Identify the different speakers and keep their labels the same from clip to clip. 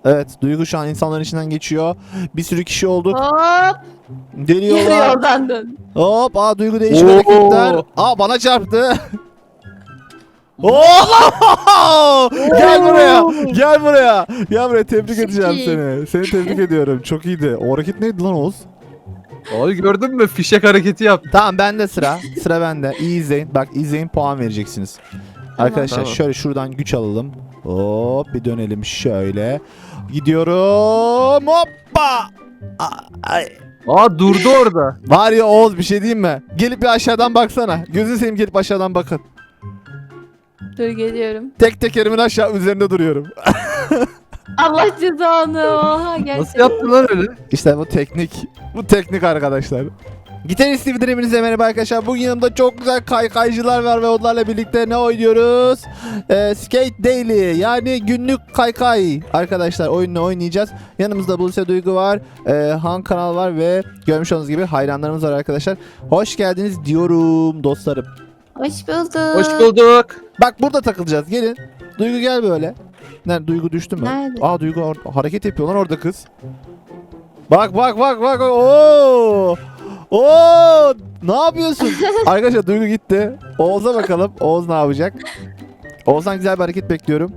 Speaker 1: Evet, Duygu şu an insanların içinden geçiyor. Bir sürü kişi olduk.
Speaker 2: Hop. Yarı
Speaker 1: Geliyorlar.
Speaker 2: yoldan dön.
Speaker 1: Hop, Duygu değişik
Speaker 3: Oo.
Speaker 1: hareketler. Bana çarptı. Oo! Gel buraya. Gel buraya. Gel buraya, tebrik
Speaker 2: Çok
Speaker 1: edeceğim
Speaker 2: iyi.
Speaker 1: seni. Seni tebrik ediyorum. Çok iyiydi. O hareket neydi lan Oğuz?
Speaker 3: Abi gördün mü? Fişek hareketi yaptı.
Speaker 1: Tamam, bende sıra. Sıra bende. İyi izleyin. Bak, izleyin, puan vereceksiniz. Arkadaşlar
Speaker 3: Tamam.
Speaker 1: şöyle şuradan güç alalım. Hop, bir dönelim şöyle. Gidiyorum. Hoppa. Ay.
Speaker 3: Durdu orada.
Speaker 1: Var ya Oğuz, bir şey diyeyim mi? Gelip bir aşağıdan baksana. Gözünü seveyim, gelip aşağıdan bakın.
Speaker 2: Dur geliyorum.
Speaker 1: Tek tekerimin aşağı üzerinde duruyorum.
Speaker 2: Allah cezanı. Oha gerçekten.
Speaker 3: Nasıl yaptın lan öyle?
Speaker 1: İşte bu teknik. Bu teknik arkadaşlar. Gitarist TV'den hepinize merhaba arkadaşlar. Bugün yanımda çok güzel kaykaycılar var ve onlarla birlikte ne oynuyoruz? Skate Daily, yani günlük kaykay. Arkadaşlar oyununu oynayacağız. Yanımızda Buse Duygu var. Han Kanal var ve görmüş olduğunuz gibi hayranlarımız var arkadaşlar. Hoş geldiniz diyorum dostlarım.
Speaker 2: Hoş bulduk.
Speaker 3: Hoş bulduk.
Speaker 1: Bak, burada takılacağız. Gelin. Duygu gel böyle. Nerede? Duygu düştü mü?
Speaker 2: Nerede?
Speaker 1: Duygu hareket yapıyor lan orada kız. Bak. Oo! Oo! Ne yapıyorsun? Arkadaşlar Duygu gitti. Oğuz'a bakalım. Oğuz ne yapacak? Oğuz'dan güzel bir hareket bekliyorum.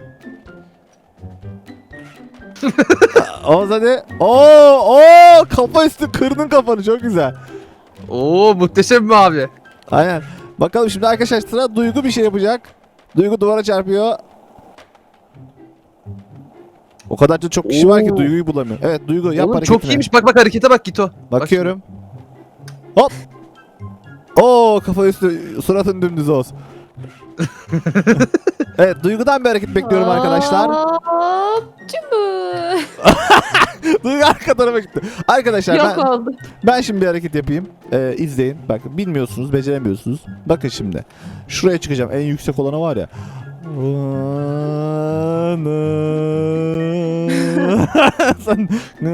Speaker 1: Oğuz hadi. Oo! Kafa üstü kırdın kafanı, çok güzel.
Speaker 3: Muhteşem mi abi?
Speaker 1: Aynen. Bakalım şimdi arkadaşlar, sıra Duygu bir şey yapacak. Duygu duvara çarpıyor. O kadar da çok kişi var ki
Speaker 3: Oo.
Speaker 1: Duygu'yu bulamıyor. Evet Duygu, yap
Speaker 3: Oğlum
Speaker 1: hareketini.
Speaker 3: çok iyiymiş. Bak harekete bak Gito.
Speaker 1: Bakıyorum. Hop. Oo, kafa üstü, suratın dümdüz olsun. Evet, Duygu'dan bir hareket bekliyorum arkadaşlar.
Speaker 2: Hop. Cumbu.
Speaker 1: Duygu arka tarafa gitti. Arkadaşlar
Speaker 2: Yok oldu.
Speaker 1: ben şimdi bir hareket yapayım. İzleyin. Bak, bilmiyorsunuz, beceremiyorsunuz. Bakın şimdi. Şuraya çıkacağım. En yüksek olana var ya. Sen-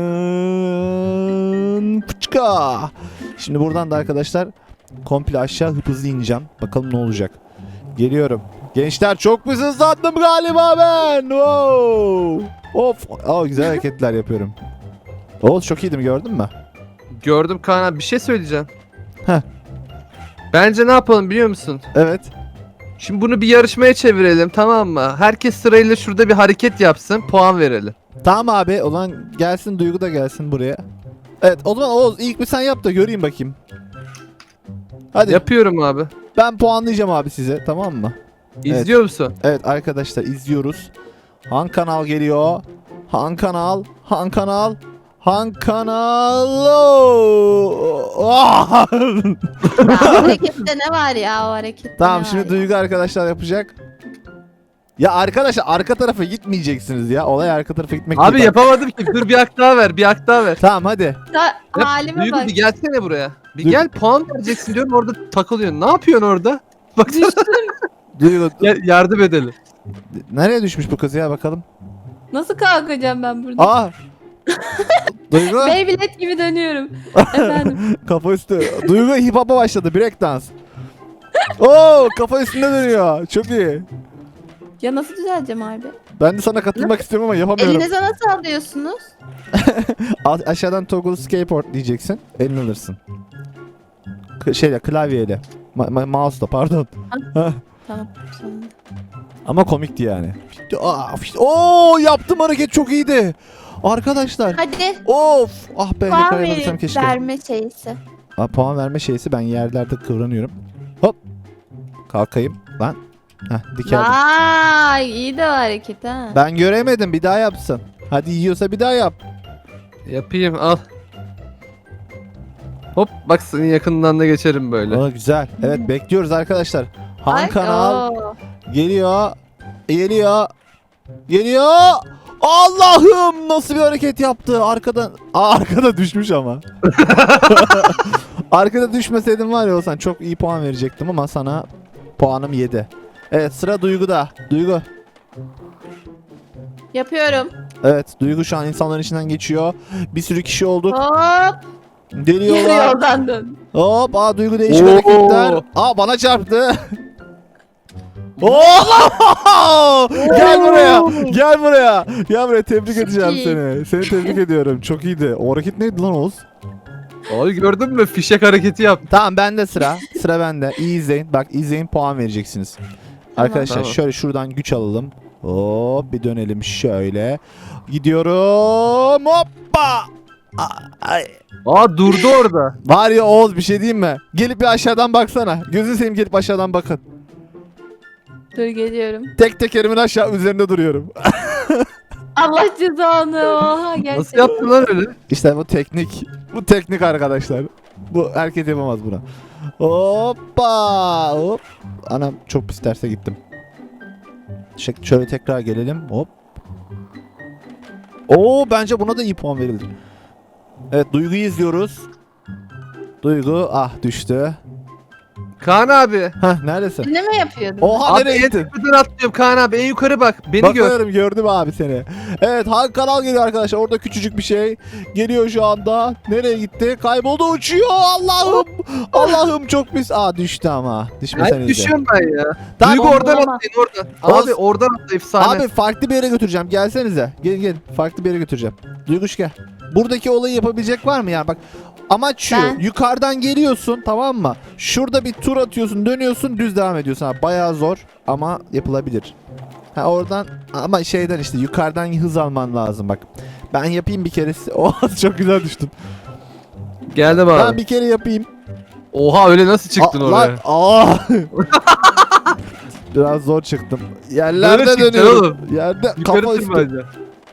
Speaker 1: Pıçka. Şimdi buradan da arkadaşlar komple aşağı hızlı ineceğim. Bakalım ne olacak. Geliyorum. Gençler, çok mu hızlandım galiba ben? Wow. Of. Güzel hareketler yapıyorum. Oğuz çok iyiydim, gördün mü?
Speaker 3: Gördüm Kaan abi. Bir şey söyleyeceğim.
Speaker 1: Heh.
Speaker 3: Bence ne yapalım biliyor musun?
Speaker 1: Evet.
Speaker 3: Şimdi bunu bir yarışmaya çevirelim, tamam mı? Herkes sırayla şurada bir hareket yapsın, puan verelim.
Speaker 1: Tamam abi, o zaman gelsin, Duygu da gelsin buraya. Evet, o zaman Oğuz ilk bir sen yap da göreyim bakayım. Hadi.
Speaker 3: Yapıyorum abi.
Speaker 1: Ben puanlayacağım abi size, tamam mı?
Speaker 3: İzliyor musun?
Speaker 1: Evet arkadaşlar, izliyoruz. Han Kanal geliyor. Han Kanal. Ah!
Speaker 2: Ya, o harekette ne var ya o harekette?
Speaker 1: Tamam,
Speaker 2: ne
Speaker 1: şimdi
Speaker 2: var
Speaker 1: Duygu arkadaşlar yapacak. Ya arkadaşlar, arka tarafa gitmeyeceksiniz ya. Olay arka tarafa gitmek
Speaker 3: Abi
Speaker 1: değil.
Speaker 3: yapamadım ki. Dur bir hak daha ver, bir hak daha ver.
Speaker 1: Tamam hadi.
Speaker 2: ya?
Speaker 3: Yap,
Speaker 2: Halime
Speaker 3: Duygu
Speaker 2: bak.
Speaker 3: bir gelsene buraya. Bir
Speaker 1: Dur.
Speaker 3: gel puan vereceksin diyorum, orada takılıyorsun. Ne yapıyorsun orada? Baksana.
Speaker 2: Düştüm.
Speaker 1: Duygu,
Speaker 3: Gel, yardım edelim.
Speaker 1: nereye düşmüş bu kız ya, bakalım.
Speaker 2: Nasıl kalkacağım ben burada?
Speaker 1: Aa! Duygu
Speaker 2: Beyblade gibi dönüyorum. Efendim.
Speaker 1: kafa üstü. Duygu hip hop'a başladı, break dans. Oo, kafa üstünde dönüyor. Çok iyi.
Speaker 2: Ya nasıl düzeleceğim abi?
Speaker 1: Ben de sana katılmak istiyorum ama yapamıyorum.
Speaker 2: Elinize nasıl alıyorsunuz?
Speaker 1: Aşağıdan toggle skateboard diyeceksin. Elini alırsın. Klavyeyle. Mouse'la, pardon.
Speaker 2: Tamam. Sonunda.
Speaker 1: Ama komikti yani. Oo, yaptım hareket, çok iyiydi. Arkadaşlar.
Speaker 2: Hadi.
Speaker 1: Of. Ah be,
Speaker 2: Puan
Speaker 1: yakalayabilsem keşke.
Speaker 2: verme şeysi.
Speaker 1: Puan verme şeysi, ben yerlerde kıvranıyorum. Hop. Kalkayım. Lan. Dikeldim.
Speaker 2: Vay iyi de o hareket ha.
Speaker 1: Ben göremedim, bir daha yapsın. Hadi, yiyorsa bir daha yap.
Speaker 3: Yapayım, al. Hop, bak senin yakından da geçerim böyle.
Speaker 1: Aa, güzel. Evet, bekliyoruz arkadaşlar. Han
Speaker 2: Ay,
Speaker 1: Kanal
Speaker 2: oo.
Speaker 1: geliyor. Allah'ım, nasıl bir hareket yaptı arkadan. Arkada düşmüş ama. Arkada düşmeseydim var ya, olsan çok iyi puan verecektim ama sana puanım 7. Evet, sıra Duygu'da. Duygu.
Speaker 2: Yapıyorum.
Speaker 1: Evet, Duygu şu an insanların içinden geçiyor. Bir sürü kişi olduk.
Speaker 2: Hop. Yarı
Speaker 1: Geliyorlar.
Speaker 2: yoldan dön.
Speaker 1: Hop, Duygu değişik
Speaker 3: Oo.
Speaker 1: hareketler. Bana çarptı. Oo! Gel buraya. Gel buraya. Gel buraya, tebrik edeceğim
Speaker 2: iyi.
Speaker 1: seni. Seni tebrik ediyorum. Çok iyiydi. O hareket neydi lan Oğuz?
Speaker 3: Abi gördün mü? Fişek hareketi yaptı.
Speaker 1: Tamam, bende sıra. Sıra bende. İyi izleyin. Bak, izleyin, puan vereceksiniz. Arkadaşlar
Speaker 3: Tamam.
Speaker 1: şöyle şuradan güç alalım. Hop, bir dönelim şöyle. Gidiyorum. Hoppa. Ay.
Speaker 3: Aa durdu orada.
Speaker 1: Var ya Oğuz, bir şey diyeyim mi? Gelip bir aşağıdan baksana. Gözünü seveyim, gelip aşağıdan bakın.
Speaker 2: Dur geliyorum.
Speaker 1: Tek tekerimin aşağı üzerinde duruyorum.
Speaker 2: Allah cezanı. Oha gerçekten.
Speaker 3: Nasıl yaptın lan öyle?
Speaker 1: İşte bu teknik. Bu teknik arkadaşlar. Bu herkes yapamaz buna. Hoppa. Hop. Anam, çok pis terse gittim. Şöyle tekrar gelelim. Hop. Oo, bence buna da iyi puan verilir. Evet, Duygu'yu izliyoruz. Duygu düştü.
Speaker 3: Kaan abi.
Speaker 1: Hah, neredesin?
Speaker 2: Ne mi yapıyordun?
Speaker 1: Oha,
Speaker 3: Abi
Speaker 1: nereye
Speaker 3: en
Speaker 1: gittin?
Speaker 3: tepeden atlıyorum Kaan abi. En yukarı bak. Beni gör.
Speaker 1: Bakıyorum, gördüm abi seni. Evet, Han Kanal geliyor arkadaşlar. Orada küçücük bir şey geliyor şu anda. Nereye gitti? Kayboldu, uçuyor. Allah'ım. Allah'ım, çok pis. Düştü ama. Düşmeseniz
Speaker 3: Ben
Speaker 1: de.
Speaker 3: düşüyorum ben ya.
Speaker 1: Tamam,
Speaker 3: Duygu oradan
Speaker 2: Tamam.
Speaker 3: atlayın oradan.
Speaker 1: Oğuz-
Speaker 3: Abi oradan atla efsane.
Speaker 1: Abi farklı bir yere götüreceğim. Gelsenize. Gelin. Farklı bir yere götüreceğim. Duyguş gel. Buradaki olayı yapabilecek var mı ya? Bak, amaç şu.
Speaker 2: Ben.
Speaker 1: Yukarıdan geliyorsun, tamam mı? Şurada bir tur atıyorsun, dönüyorsun, düz devam ediyorsun. Bayağı zor ama yapılabilir. Oradan ama şeyden işte yukarıdan hız alman lazım bak. Ben yapayım bir kere. Çok güzel düştüm.
Speaker 3: Geldim abi.
Speaker 1: Ben bir kere yapayım.
Speaker 3: Oha öyle nasıl çıktın oraya?
Speaker 1: Biraz zor çıktım.
Speaker 3: Böyle
Speaker 1: Yerlerde
Speaker 3: çıkacaksın
Speaker 1: dönüyorum. Yerde
Speaker 3: Yukarı
Speaker 1: kafa üstü.
Speaker 3: tırmanacağım.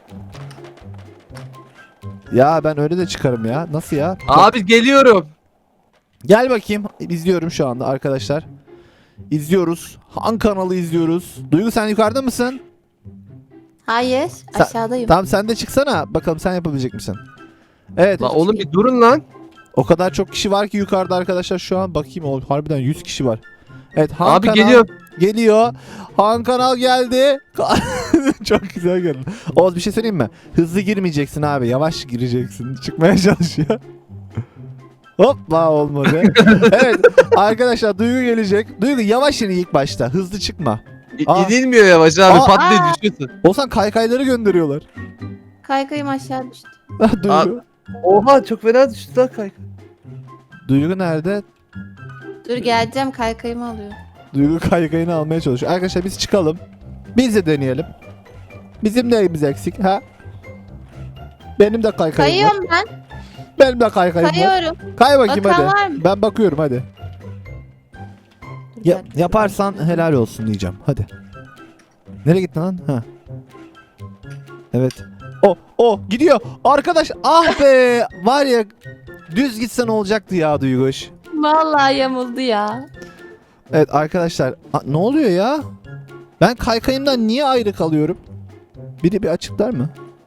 Speaker 1: Ya ben öyle de çıkarım ya. Nasıl ya?
Speaker 3: Abi geliyorum.
Speaker 1: Gel bakayım. İzliyorum şu anda arkadaşlar. İzliyoruz. Han kanalı izliyoruz. Duygu, sen yukarıda mısın?
Speaker 2: Hayır.
Speaker 1: Sen-
Speaker 2: Aşağıdayım.
Speaker 1: Tamam, sen de çıksana. Bakalım sen yapabilecek misin? Evet.
Speaker 3: Lan oğlum bir durun lan.
Speaker 1: O kadar çok kişi var ki yukarıda arkadaşlar şu an. Bakayım, harbiden 100 kişi var. Evet, Han
Speaker 3: Abi
Speaker 1: Kanal
Speaker 3: geliyor.
Speaker 1: geliyor. Han Kanal geldi. Çok güzel geldi. Oğuz, bir şey söyleyeyim mi? Hızlı girmeyeceksin abi. Yavaş gireceksin. Çıkmaya çalışıyor. Hoppa, olmadı. Evet arkadaşlar, Duygu gelecek. Duygu, yavaş in ilk başta. Hızlı çıkma. Aa.
Speaker 3: İnilmiyor yavaş abi.
Speaker 1: Aa.
Speaker 3: Patlayıp düşüyorsun.
Speaker 1: Olsan kaykayları gönderiyorlar.
Speaker 2: Kaykayım aşağı düştü.
Speaker 1: Duygu.
Speaker 3: Abi. Oha çok fena düştü lan kayık.
Speaker 1: Duygu nerede?
Speaker 2: Dur geleceğim kaykayımı alıyorum.
Speaker 1: Duygu kaykayını almaya çalışıyor. Arkadaşlar biz çıkalım. Biz de deneyelim. Bizim neyimiz eksik ha? Benim de kaykayım var.
Speaker 2: Kayıyorum ben.
Speaker 1: Benim de kaykayım var.
Speaker 2: Kayıyorum.
Speaker 1: Kay bakayım
Speaker 2: Bakan
Speaker 1: hadi.
Speaker 2: var mı?
Speaker 1: Ben bakıyorum hadi.
Speaker 2: Dur, bir dakika.
Speaker 1: Yaparsan helal olsun diyeceğim. Hadi. Nereye gittin lan? Ha. Evet. Gidiyor. Arkadaş, be. Var ya, düz gitsen olacaktı ya Duyguş.
Speaker 2: Vallahi yamuldu ya.
Speaker 1: Evet arkadaşlar. Ne oluyor ya? Ben kaykayımdan niye ayrı kalıyorum? Biri bir açıklar mı?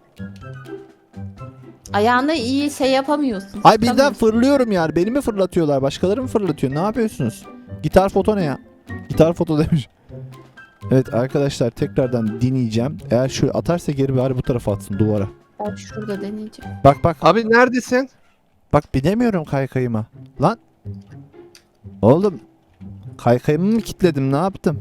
Speaker 2: Ayağında iyi şey yapamıyorsun.
Speaker 1: Ay, birden
Speaker 2: tutamıyorsun.
Speaker 1: fırlıyorum yani. Beni mi fırlatıyorlar? Başkaları mı fırlatıyor? Ne yapıyorsunuz? Gitar foto ne ya? Gitar foto demiş. Evet arkadaşlar, tekrardan deneyeceğim. Eğer şöyle atarsa geri, bari bu tarafa atsın, duvara.
Speaker 2: Ben şurada deneyeceğim.
Speaker 1: Bak.
Speaker 3: Abi neredesin?
Speaker 1: Bak, binemiyorum kaykayıma. Lan. Oğlum. Kaykayımı mı kilitledim? Ne yaptım?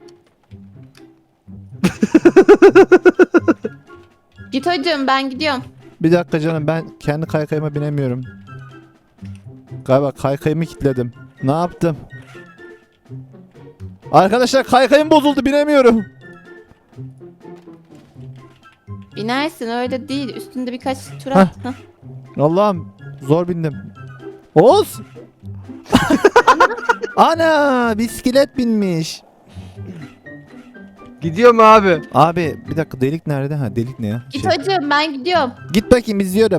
Speaker 2: Git hocam ben gidiyorum.
Speaker 1: Bir dakika canım, ben kendi kaykayıma binemiyorum. Galiba kaykayımı kilitledim. Ne yaptım? Arkadaşlar, kaykayım bozuldu, binemiyorum.
Speaker 2: Binersin öyle değil. Üstünde birkaç tur at. Hah.
Speaker 1: Allah'ım, zor bindim. Oğuz! Ana, bisiklet binmiş.
Speaker 3: Gidiyorum abi.
Speaker 1: Abi bir dakika, delik nerede? Ha, delik ne ya?
Speaker 2: Git hocam ben gidiyorum.
Speaker 1: Git bakayım, izliyorum.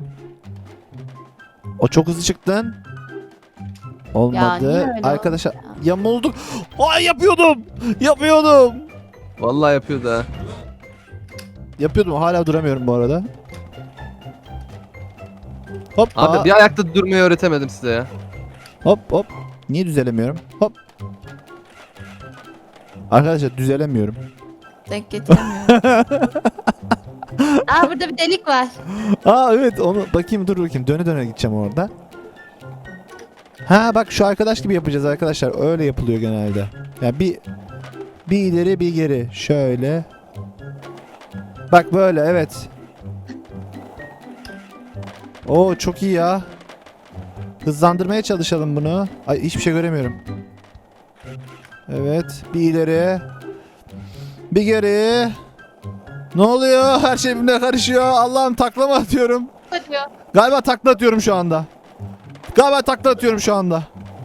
Speaker 1: O çok hızlı çıktın.
Speaker 2: Ya
Speaker 1: Olmadı.
Speaker 2: niye öyle
Speaker 1: Arkadaşlar
Speaker 2: oldu ya?
Speaker 1: yamulduk. Ay, yapıyordum.
Speaker 3: Vallahi yapıyordu ha.
Speaker 1: Yapıyordum, hala duramıyorum bu arada. Hop.
Speaker 3: Abi bir ayakta durmayı öğretemedim size ya.
Speaker 1: Hop. Niye düzelemiyorum? Hop. Arkadaşlar düzelemiyorum.
Speaker 2: Denk getiremiyorum. Burada bir delik var.
Speaker 1: Evet, onu dur bakayım. Döne gideceğim orada. Ha bak, şu arkadaş gibi yapacağız arkadaşlar. Öyle yapılıyor genelde. Yani Bir ileri bir geri. Şöyle. Bak böyle, evet. Oo çok iyi ya. Hızlandırmaya çalışalım bunu. Ay hiçbir şey göremiyorum. Evet. Bir ileri. Bir geri. Ne oluyor? Her şey birbirine karışıyor. Allah'ım takla mı atıyorum?
Speaker 2: Kaçıyor.
Speaker 1: Galiba takla atıyorum şu anda. Galiba takla atıyorum şu anda.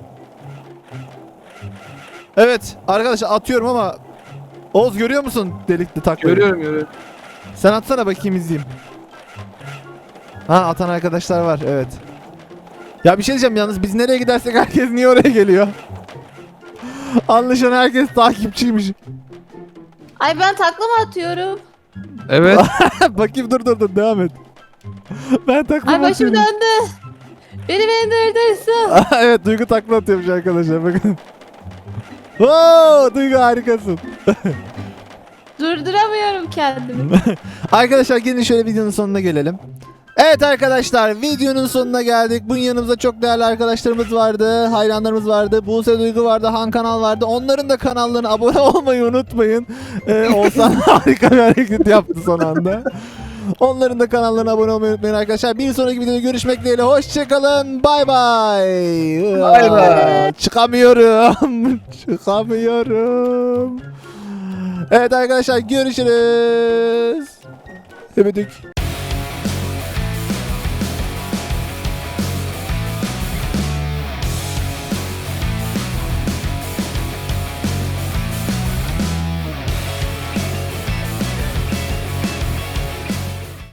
Speaker 1: Evet arkadaşlar atıyorum ama Oğuz görüyor musun delikli taklayı?
Speaker 3: Görüyorum.
Speaker 1: Sen atsana bakayım izleyeyim. Ha atan arkadaşlar var evet. Ya bir şey diyeceğim yalnız biz nereye gidersek herkes niye oraya geliyor? Anlaşılan herkes takipçiymiş.
Speaker 2: Ay ben takla mı atıyorum?
Speaker 3: Evet.
Speaker 1: Bakayım dur devam et. Ben takla
Speaker 2: Ay başım
Speaker 1: atıyorum.
Speaker 2: döndü. Beni durdursun.
Speaker 1: Evet Duygu takla atıyormuş arkadaşlar bakın. Oo, Duygu harikasın.
Speaker 2: Durduramıyorum kendimi.
Speaker 1: Arkadaşlar gelin şöyle videonun sonuna gelelim. Evet arkadaşlar videonun sonuna geldik. Bunun yanımızda çok değerli arkadaşlarımız vardı. Hayranlarımız vardı. Buse Duygu vardı. Han Kanal vardı. Onların da kanallarına abone olmayı unutmayın. Oğuzhan harika bir hareket yaptı son anda. Onların da kanallarına abone olmayı unutmayın arkadaşlar. Bir sonraki videoda görüşmek dileğiyle. Hoşçakalın. Bay bay.
Speaker 3: Bay bay.
Speaker 1: Çıkamıyorum. Çıkamıyorum. Evet arkadaşlar görüşürüz. Öpüdük.